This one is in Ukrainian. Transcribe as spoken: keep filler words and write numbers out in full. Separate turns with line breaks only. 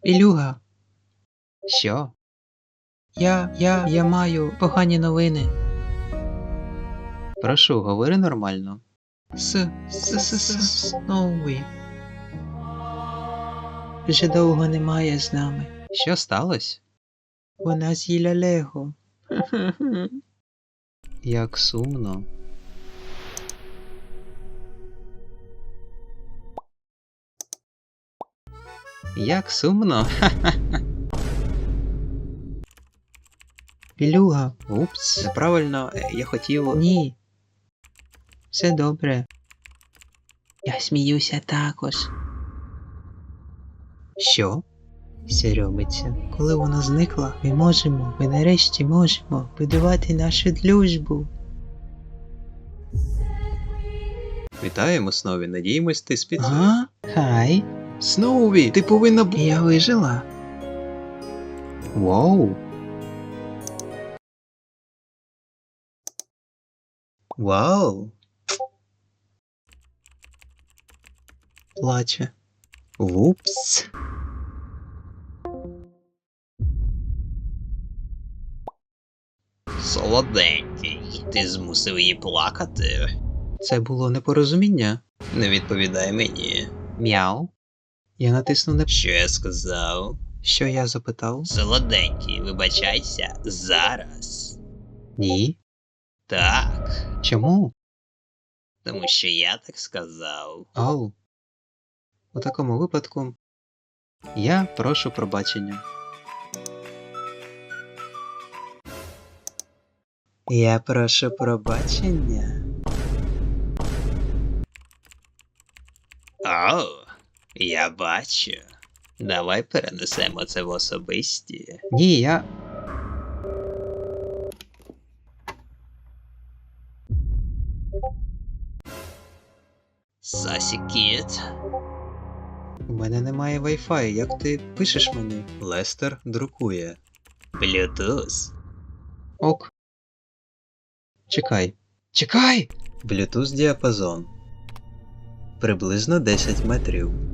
Ілюга. Що? Я, я, я маю погані новини. Прошу, говори нормально. С, с, с, с, Сноуі. Вже довго немає з нами. Що сталося? Вона з'їла Лего. Як сумно. Як сумно. Ілюга. Упс, неправильно, я хотів... Ні. Все добре. Я сміюся також. Що? Сіромиця. Коли вона зникла, ми можемо, ми нарешті можемо будувати нашу дружбу. Вітаємо, Сноуві, надіємось, ти спіти. Ага, хай. Сноуві, ти повинна б... Я вижила. Вау. Вау. Плаче. Вупс.
Солоденький, ти змусив її плакати.
Це було непорозуміння.
Не відповідай мені.
Мяу. Я натиснув на...
Що я сказав?
Що я запитав?
Солоденький, вибачайся, зараз.
Ні.
Так,
Чому?
тому що я так сказав.
Ау. У такому випадку я прошу пробачення. Я прошу пробачення.
О, я бачу. Давай перенесемо це в особисті.
Ні, я...
Сасі Кіт.
У мене немає Wi-Fi, як ти пишеш мені? Лестер друкує.
Bluetooth.
Ок. Чекай. Чекай! Bluetooth діапазон. Приблизно десять метрів.